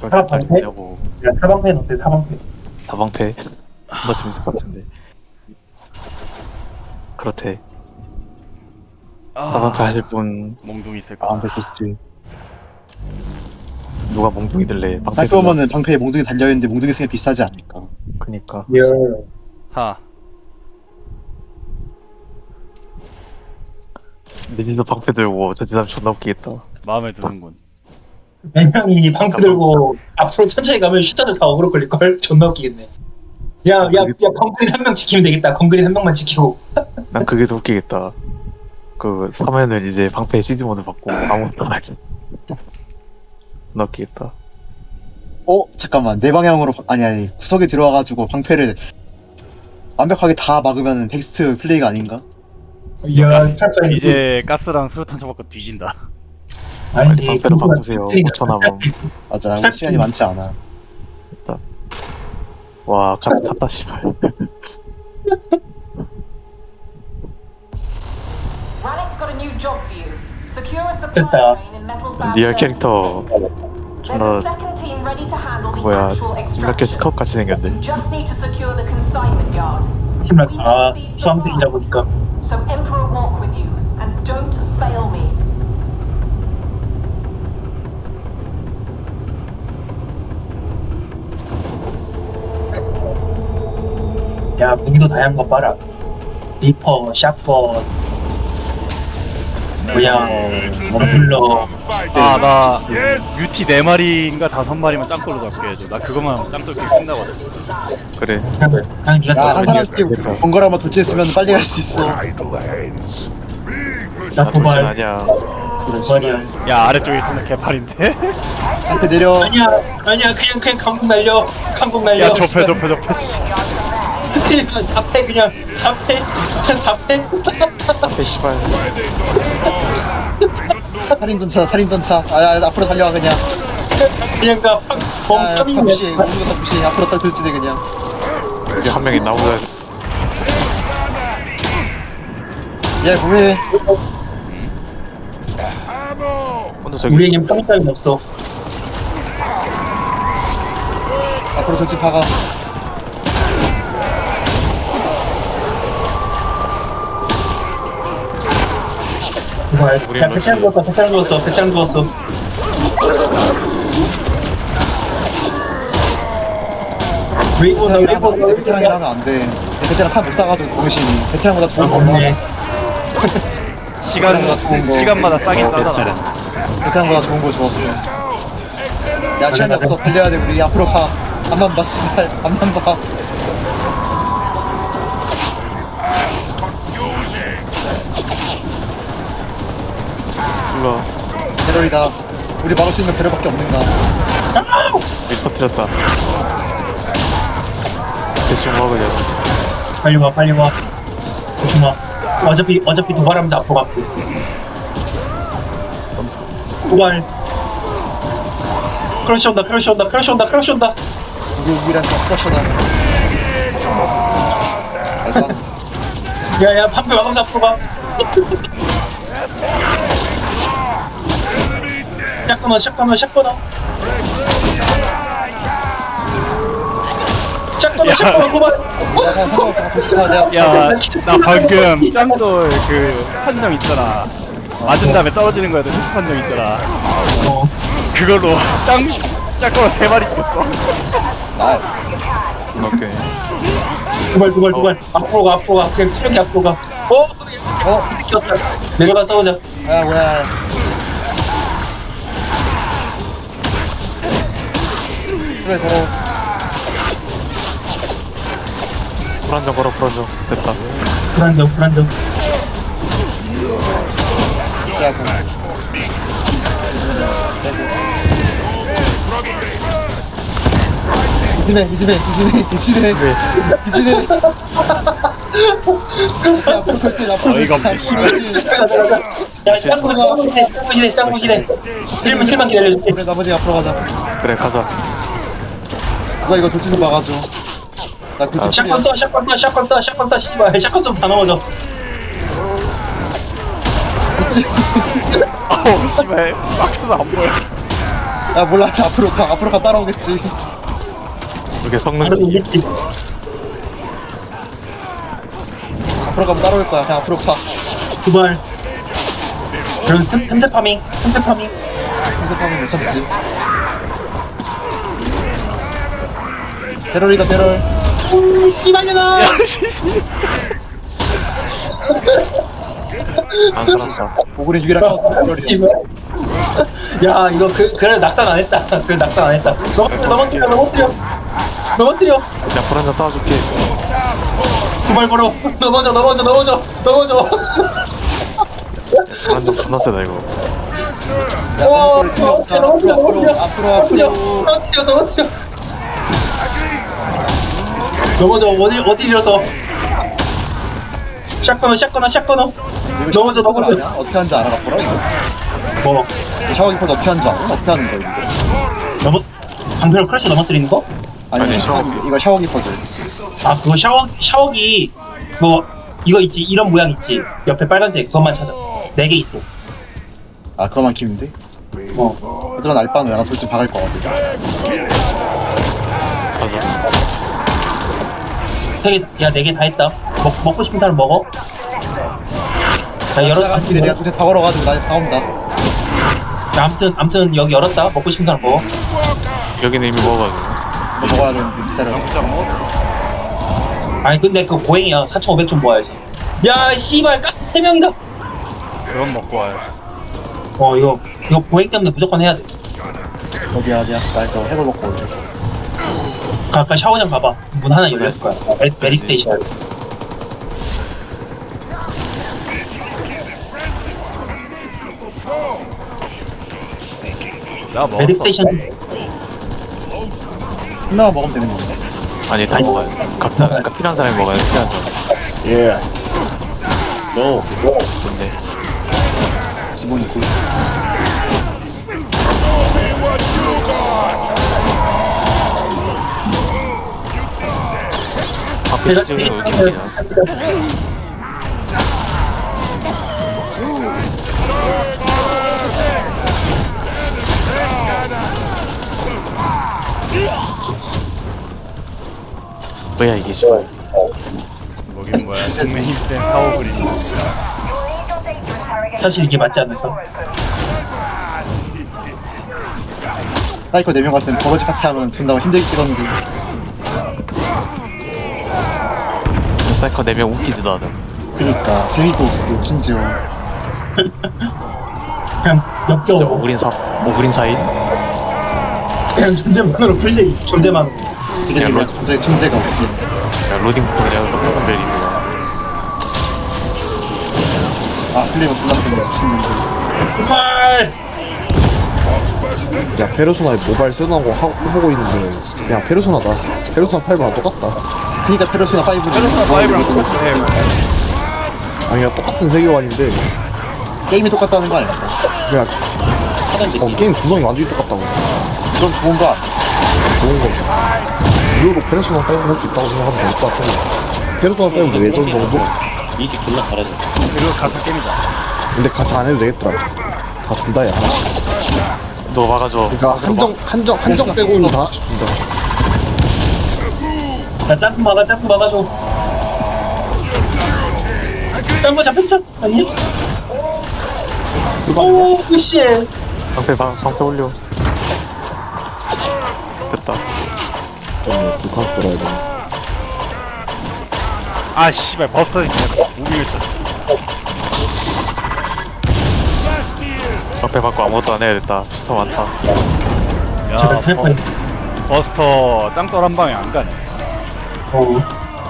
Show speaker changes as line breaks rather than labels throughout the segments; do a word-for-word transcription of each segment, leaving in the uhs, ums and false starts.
씨발
사방
짤
방패?
있냐고.
야, 사방패는 어때, 사방패?
사방패 더 재밌을 것 같은데. 그렇대. 사방패
아,
하실 분
몽둥이 있을
아,
거다.
근데 좋지.
누가 몽둥이 들래? 방패
학교 오면은 방패에 몽둥이 달려있는데 몽둥이 쓰면 비싸지 않을까.
그니까.
야,
하.
내진도 방패 들고 저 사람 존나 웃기겠다.
마음에 드는군.
맹명이 방패 들고 앞으로 천천히 가면 슈터도 다 어그로 걸릴걸? 존나 웃기겠네. 야, 야, 야, 건그린 한 명 지키면 되겠다. 건그린 한 명만 지키고.
난 그게 더 웃기겠다. 그 사면을 이제 방패 시드 모드 받고 아무것도 안 하기. 존나 웃기겠다.
어? 잠깐만. 내 방향으로, 바- 아니, 아니. 구석에 들어와가지고 방패를 완벽하게 다 막으면 베스트 플레이가 아닌가?
야, 탈까
이제 가스랑 수류탄 쳐먹고 뒤진다.
아니지.
방패로 바꾸세요. 오천 남음.
맞아. 우리 시간이 많지 않아.
됐다. 와, 카드 탔다, 씨발.
Rannick's got a new job for you. Secure a supply
됐다.
train in metal band
리얼 캐릭터
thirty-six. There's a
존나
second team ready to handle the
뭐야
actual
이렇게
extraction.
스카웃 같이 생겼네.
You just need to secure the consignment yard.
팀을,
We
아,
need these
수험생이다
supplies.
보니까.
So Emperor walk with you and don't fail me.
야, 무기도 다양한 거 봐라. 리퍼, 샷건, 뭐야, 머플러.
아, 나 유티 네 마리인가 다섯 마리만 짱돌로 잡게 해줘. 나 그것만 짱돌 게임 끝나거든.
그래.
그냥, 그냥 니가
야, 한
더
사람씩 번거라마 돌진했으면 빨리 갈 수 있어.
나
나 돌진
도발.
아니야.
그래,
도발이야.
씨발.
야, 아래쪽에 존나 개팔인데?
방패 내려.
아니야, 아니야, 그냥, 그냥 강국 날려. 강국 날려.
야, 좁혀, 좁혀, 좁혀, 씨.
그냥 답해, 그냥. 답해. 그냥 답해.
앞에 씨발.
살인전차, 살인전차. 아, 야, 앞으로 달려와, 그냥.
그냥 가.
야, 야, 다
범tam이네.
무시해. 모든 거다 무시해. 앞으로 다 돌진해, 그냥.
여기 한 명이 나보다
야, 뭐해.
혼자 저기
우리에겐 평타는 없어.
앞으로 돌진 박아.
도발.
우리
야,
러시.
배짱 죽었어, 배짱 죽었어, 배짱 죽었어. 웨이보다,
베테랑이라
웨이보다,
이제 베테랑이라 하면 안 돼. 베테랑 탄 못 사가지고 공신이 베테랑보다 좋은 걸로 하자.
시간,
그런 거 좋은 거.
시간마다 싸긴 싸잖아.
베테랑보다 좋은 거 주었어. 야, 시간이 없어. 달려야 돼. 우리 앞으로 가. 앞만 봐, 씨발. 앞만 봐.
불러.
배럴이다. 우리 막을 수 있는 배럴밖에 없는가.
일 터뜨렸다. 대충 뭐 그냥.
빨리 와, 빨리 와. 조심하. 어차피, 어차피 도발하면서 앞으로 갈게. 도발. 크러쉬 온다, 크러쉬 온다, 크러쉬 온다, 크러쉬 온다.
이게 유일한 크러셔다. 알바.
야, 야, 판표 막으면서 앞으로 가. 샷건어, 샷건어, 샷건어. 샷건어, 샷건어, 도발.
야, 상관없어. 돌진하. 내가.
야, 나 방금 짱돌 그 판정 있잖아. 맞은 다음에 떨어지는 거야, 그 판정 있잖아.
어.
그걸로 짱 샷건을 세 마리 꼈어.
나이스.
오케이.
도발, 도발, 도발. 앞으로 가, 앞으로 가. 그냥 이렇게 앞으로 가. 어?
어?
미쳤다. 내려가 싸우자.
야, 뭐야. 그래, 걸어.
불안정 걸어 불안정. 됐다.
불안정, 불안정.
야, 공. 이집에, 이집에, 이집에, 이집에,
왜?
이집에. 야, 앞으로 돌진, 앞으로
어이가
돌진,
없네, 씨발.
앞으로 돌진.
가자, 가자. 야, 짱구, 짱구시네, 짱구시네, 짱구시네. 힐만, 힐만 기다려줄게.
그래, 나머지 앞으로 가자.
그래 가자.
누가 이거 돌진 좀 막아줘. 나 굴뚝
샷건 써, 샷건 써, 샷건 써, 샷건 써, 씨발. 샷건 써다 넘어져.
돌진.
어우, 씨발. 막혀서 안 보여.
야 몰라 앞으로 가 앞으로 가 따라오겠지.
이렇게 성능
바로 이겼지.
앞으로 가면 따라올 거야. 그냥 앞으로 가.
두발. 그럼 틈- 틈새 파밍, 틈새 파밍.
검색하면 못 참지. 배럴이다 배럴.
오, 씨발려나.
안 살았다.
오그린 유일한 카운터 배럴이었어.
야, 이거 그 그래 낙산 안 했다. 그래 낙산 안 했다. 넘어뜨려, 넘어뜨려, 넘어뜨려. 넘어뜨려.
그냥 불 한잔 쏴줄게.
두발 걸어. 넘어져, 넘어져, 넘어져, 넘어져.
불 한잔 존나 세다 이거.
야
어,
방금 틀려.
넘어뜨려,
앞으로
넘어뜨려,
앞으로
넘어뜨려.
앞으로
넘어뜨려,
앞으로.
넘어뜨려, 넘어뜨려. 넘어져. 어디 어디 일어서. 샷건어, 샷건어, 샷건어.
이거
넘어져,
샤워기 퍼즐
넘어져.
아니야? 어떻게 하는지 알아봤더라 이거.
뭐
샤워기 퍼즐 어떻게 하는지 알아? 어떻게 하는 거야 이거?
넘어 방패로 크러쉬 넘어뜨리는 거?
아니,
아니,
샤워기,
샤워기.
이거 샤워기 퍼즐.
아 그거 샤워 샤워기 뭐 이거 있지 이런 모양 있지 옆에 빨간색 그것만 찾아 네 개 있어.
아 그거만 키면 돼?
어
하지만 알바는 야나 돌진 박을 거거든.
맞아.
세개야네 개 다 했다. 먹 먹고 싶은 사람 먹어. 자 열어.
지나가는 길에 내가 돌진 다 걸어가지고 나 나온다.
자, 아무튼 아무튼 여기 열었다. 먹고 싶은 사람 먹어.
여기는 이미 먹어가지고.
뭐 먹어야 되는데 기다려.
아니 근데 그거 고행이야. 사천오백 좀 모아야지. 야 씨발 가스 세 명이다.
그럼 먹고 와야지.
어 이거 이거 고행 때문에 무조건 해야 돼.
어디야 어디야? 나 이거 해골 먹고 올게.
아까 샤워장 가봐. 문 하나 열렸을 거야. 메, 메리 스테이션.
나
메리
먹었어.
스테이션.
한 명만 먹으면 되는 건가?
아니 다 먹어야 돼. 각자 각각 필요한 사람이 먹어야 돼. 필요한 사람.
예.
너 근데
기본이 굿.
앞에 지금 여기 있냐? 뭐야 이게 씨발.
뭐긴 뭐야. 동맹 힘센 사오그린.
사실 이게 맞지 않을까?
사이코 네 명 같은 버거지 파티 하면 존나 힘들게 끼던데.
사이커 네 명 웃기지도 않아.
그니까 재미도 없어 심지어.
그냥
저
역겨워.
오그린 사 오그린 사인.
그냥 존재만으로 풀제 존재만으로.
되게
야,
되게
로-
존재 존재가 없긴.
야 로딩부터 그냥 똑같은 벨이구나.
아 플레이가 존나 센데 미친놈들.
정말.
야 페르소나에 모바일 쓰는 하고 해보고 있는데 그냥 페르소나다. 페르소나 파이브랑 똑같다.
그니까 페르소나 파이브는
페르소나 파이브랑 똑같아.
아니야 똑같은 세계관인데
게임이 똑같다는 거 아닐까?
그냥 어, 게임 구성이 완전히 똑같다고.
그럼 좋은 거 아니야?
좋은 거지. 무료로 페르소나 파이브 할 수 있다고 생각하면 될 것 같아. 페르소나 파이브 예전 정도?
그리고 가짜 게임이다.
근데 같이 안 해도 되겠더라. 다 준다 야.
너 막아줘.
그러니까 한정 한정 한정 빼고는 다 하나씩 준다.
자 점프 막아 점프 막아줘. 딴거 잡혔죠? 아니? 오 씨.
방패 방 방패 올려. 됐다.
좀 북한 돌아야 돼.
아 씨발 버스터 무빙을 쳐.
방패 받고 아무것도 안 해야 됐다. 스타 많다.
야
제가 살
버,
뻔.
버스터 짱돌 한 방에 안 가네.
어.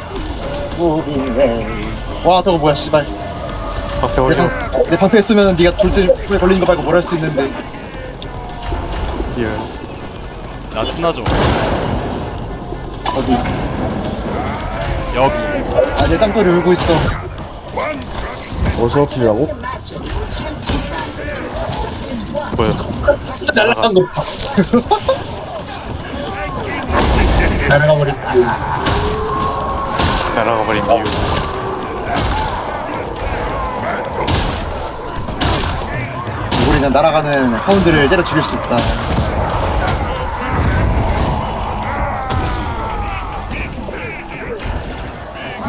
와 저거 뭐야 씨발.
방패
내,
올려.
방, 내 방패 쓰면 네가 돌진에 걸리는 거 말고 뭘 할 수 있는데.
예.
나 스나 좀.
어디?
여기.
아내 땅굴이 울고 있어.
어디서 틀리라고?
뭐야?
날라간 거 봐. 날아가 버린 그
날아가 버린 이유.
우리는 날아가는 하운드를 때려 죽일 수 있다.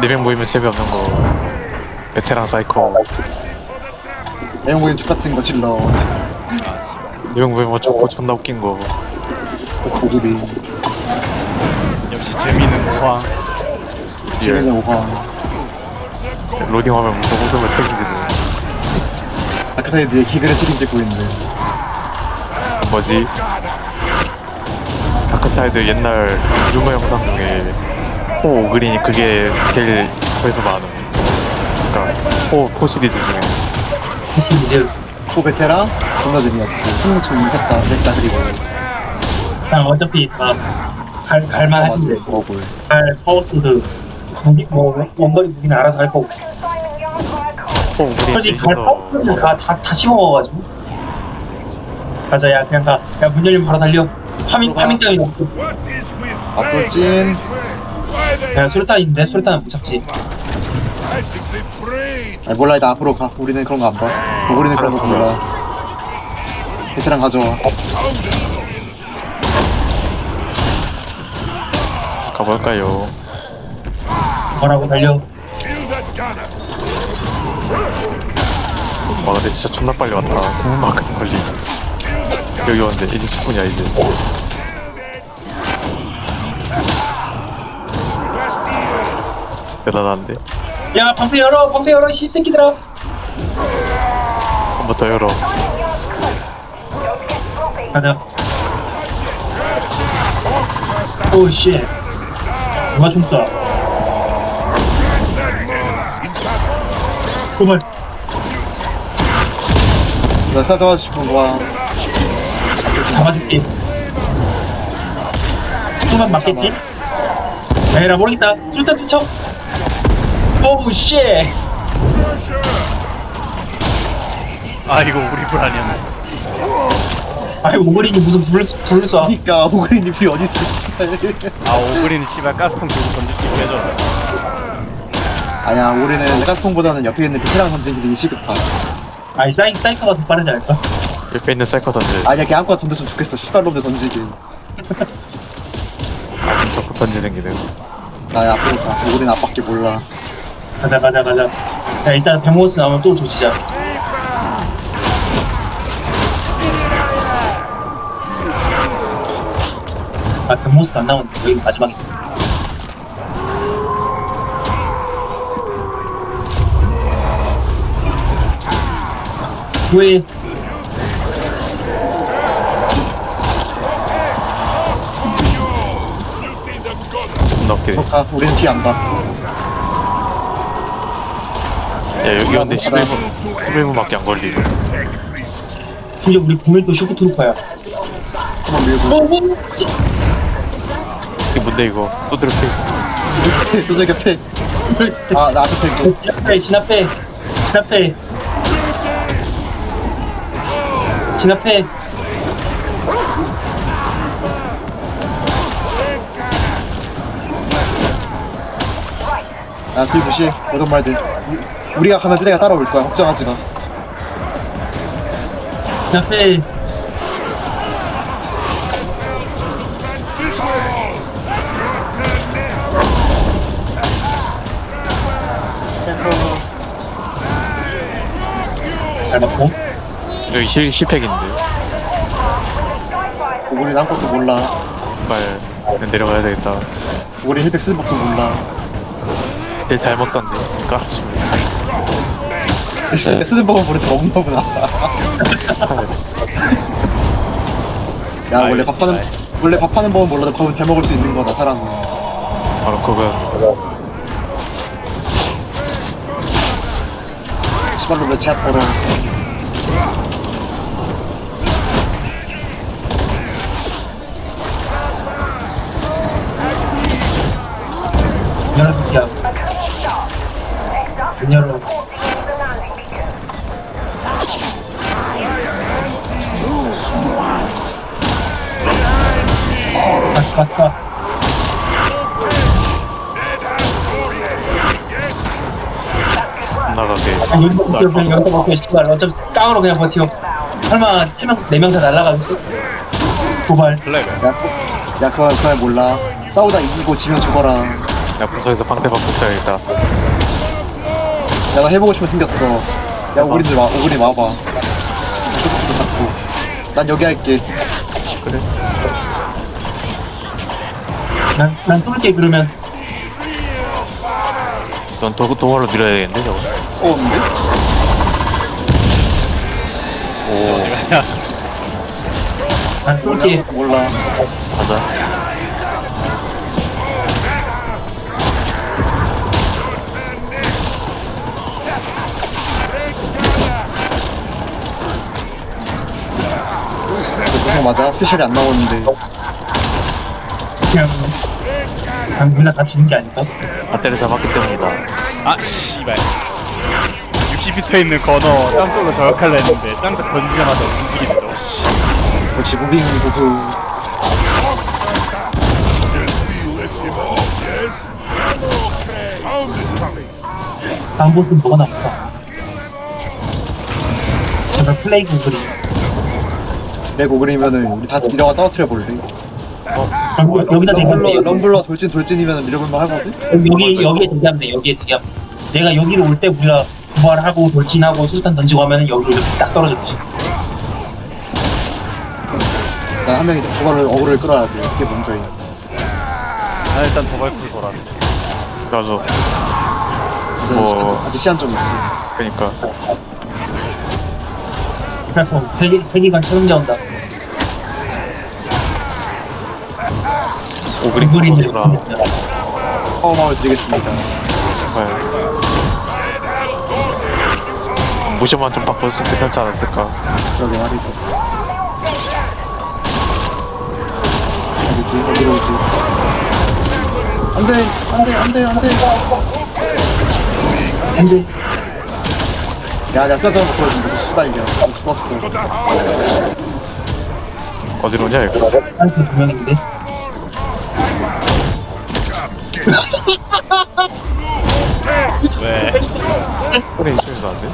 네 명 모이면 재미없는 거. 베테랑 사이코.
내용 모임 족 같은 거 질러.
아 씨발.
네 명 모이면 좋고 존나 웃긴 거.
고구리.
역시 재미있는 모황.
재미는 오황.
로딩 화면 무슨 웃음을 택기거든.
아까 전에 내 기글을 책임지고 있는.
뭐지? 다크사이드 옛날 유머 영상 중에 호 오그린이 그게 제일 조회수 많음. 그니까 호, 호 시리즈 중에.
사실 이제
호 베테랑 존나 재미없어. 청춘 했다 냈다 그리고.
그냥 어차피 다 갈, 갈만
맞지
하는데
먹을.
갈 파워스드 무기 뭐 원거리 무기는 알아서 할 거고
호 오그린
솔직히 갈
대신서
파워스드는 다다 씹어먹어가지고 가자 야 그냥 가야문 열리면 바로 달려 파밍
들어가.
파밍 땅이다
앞돌진.
야 수류탄 있는데 수류탄은 못 잡지
아니 몰라 일단 앞으로 가. 우리는 그런 거 안 봐. 고구리는 그런 거 몰라. 베테랑 가져와.
가볼까요?
뭐라고 달려
와 근데 진짜 존나 빨리 왔다. 공만큼 걸리. 여기 왔는데 이제 십 분이야 이제. 대단한데?
야 방패 열어 방패 열어 씹새끼들아
한 번 더 열어.
가자 오씨 누가 춤다 그만
너 싸져와 싶은 거야.
잡아줄게 수만 맞겠지? 에라 모르겠다 수류탄 투척 오우 씨
아 이거 우리 불 아니었네.
아이 오그린이 무슨 불을 불을 쏴
그니까 고구리님 불이 어딨어 씨발.
아 오그린이 씨발 가스통 들고 던질 수 있게 해줘.
아니야 우리는 가스통보다는 옆에 있는 베테랑 던지는 게 시급하.
아이 사이 사이커가 더 빠르지 않을까?
옆에 있는 사이코 던져.
아니야 걔 아무거나 던졌으면 좋겠어. 씨발놈들 던지긴.
아, 적극 던지는 기능.
나 앞으로 가. 우리는 앞밖에 몰라.
가자 가자 가자 야 일단 백모스 나오면 또 조지자 아 백모스 안 나오면 여기 마지막이다 왜
존나 웃기네.
너 가. 우리는 뒤 안 가.
야 여기 왔는데 십일 분 십일 분밖에 안 걸리네.
근데 우리 공일도 쇼크트루퍼야
한번 밀고.
어, 씨.
이게 뭔데 이거? 또 들을게.
두들겨 패. 아, 나 앞에 팰게.
진압해 진압해 진압해 진압해
야, 뒤 무시해. 오던 말들. 우- 우리가 가면 쟤네가 따라올 거야. 걱정하지 마.
진압해 잘 맞고
여기 실 실팩인데.
우리는 아무것도 몰라.
빨리 그냥 내려가야 되겠다.
우리 힐백 쓰는 법도 몰라.
제일 잘 먹던데. 까치.
힐백 쓰는 법은 모르는데 먹는 법은 알아. 야, 원래
아유,
밥하는,
씨발.
원래 밥하는 법은 몰라도 밥은 잘 먹을 수 있는 거다, 사람은.
바로 그거.
시발로 내 제압 걸어.
열어 새끼야 문 열어 갔어 갔어
나가게.
아, 여기서 버텨 그냥 여기서 버텨 씨발 어차피 깡으로 그냥 버텨 설마 네 명 다 날라가겠어? 도발
블랙을.
야, 야, 그말, 그말 몰라. 싸우다 이기고 지면 죽어라.
야 부서에서 방패 받고 있어야겠다.
야 나 해보고 싶은 거 생겼어. 야 오그린들 와 오그린 와봐. 구석부터 잡고. 난 여기 할게.
그래.
난, 난 쏠게 그러면.
넌 도, 도발로 밀어야 되겠는데 저거.
쏘는데?
오
내가
난 쏠게.
몰라.
가자.
그거 맞아. 스페셜이 안 나오는데.
그냥 그냥 그냥 다 주는 게 아닐까?
다 때려잡았기 때문이다.
아 씨발 육십 피터 있는 건어 짱돌로 저격할라 했는데 짱돌 던지자마자 움직이더라고 씨.
역시 무빙 고수.
다음 보스는 뭐가 남을까? 제발 플레이그 그리.
내 오그리면은 우리 다 밀어가 떨어뜨려 볼래.
그럼 여기다 대기하면
럼블러
돼.
럼블러 돌진 돌진이면 밀어볼만 하거든.
여기 여기에 대기하면 돼. 여기에 대기하면 돼. 내가 여기로 올 때 우리가 부활하고 돌진하고 수류탄 던지고 하면은 여기로 이렇게 딱 떨어졌지.
난 한 명이 도발을 어그를 끌어야 돼. 그게 먼저인.
나 일단 도발쿨 돌았어.
나도.
근데
뭐-
시간- 아직 시간 좀 있어.
그러니까
그래서 세계 세계관 챌린저 온다.
오그린
그리들
코너라
허마을 드리겠습니다.
정말 모션만 좀 바꿔줬으면 괜찮지 않았을까.
그러게 말이죠. 어디지? 어디로 오지? 안돼, 안돼, 안돼, 안돼.
근데
야, 내가 써던 거 보여준다. 씨발이야. 죽었어.
어디로 오냐 이거.
한테 두 명인데
왜?
그래 이쪽에서 안 돼?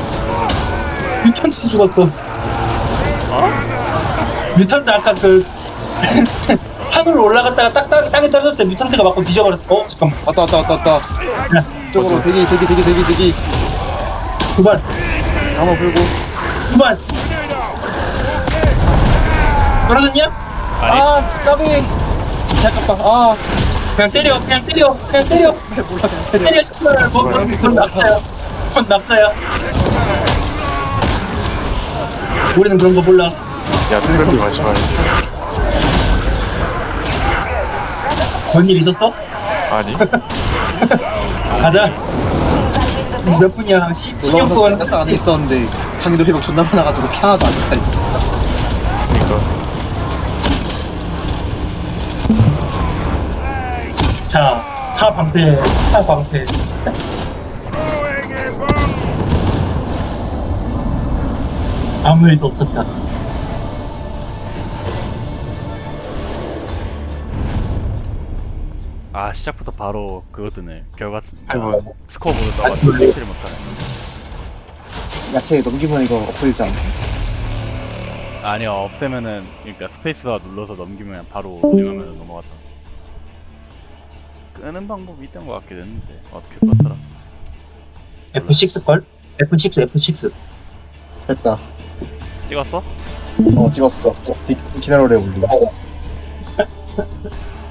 뮤턴트 죽었어.
어?
뮤턴트 아까 그 하늘로 올라갔다가 딱, 딱 땅에 떨어졌을 때 뮤턴트가 맞고 뒤져버렸어. 어 잠깐만.
왔다, 왔다, 왔다, 왔다.
야,
쪽으로 대기, 대기, 대기, 대기, 대기.
두발
한번 불고.
두발. 떨어졌냐?
아니
아, 까비. 아깝다. 아,
그냥 때려. 그냥 때려. 그냥 때려.
몰라, 그냥 때려.
때려. 씨발. 뭐, 뭐, 뭔 낙사야. 뭔 낙사야. 우리는 그런 거 몰라.
야 그러지 마지 마.
뭔 일 있었어?
아니
가자. 몇 분이야? 십 년
올라와서
동안.
가스 안에 있었는데 강의도 회복 존나 많아가지고 피 하나도 안 됐다니까.
그러니까
자, 사 방패, 사 방패. 아무 일도 없었다.
아 시작부터 바로 그거 뜨네 결과 쓰-
아이고.
스코어보드 떠가지고
아,
확실히 못하네.
야채 넘기면 이거 없어지지 않나?
아니요 없애면은 그러니까 스페이스바 눌러서 넘기면 바로 누르면 넘어가서 끄는 방법이 있던 것 같긴 했는데 어떻게 껐더라.
에프 식스걸? 에프 식스, 에프 식스.
됐다.
찍었어?
어, 찍었어. 기, 기다려래, 올리.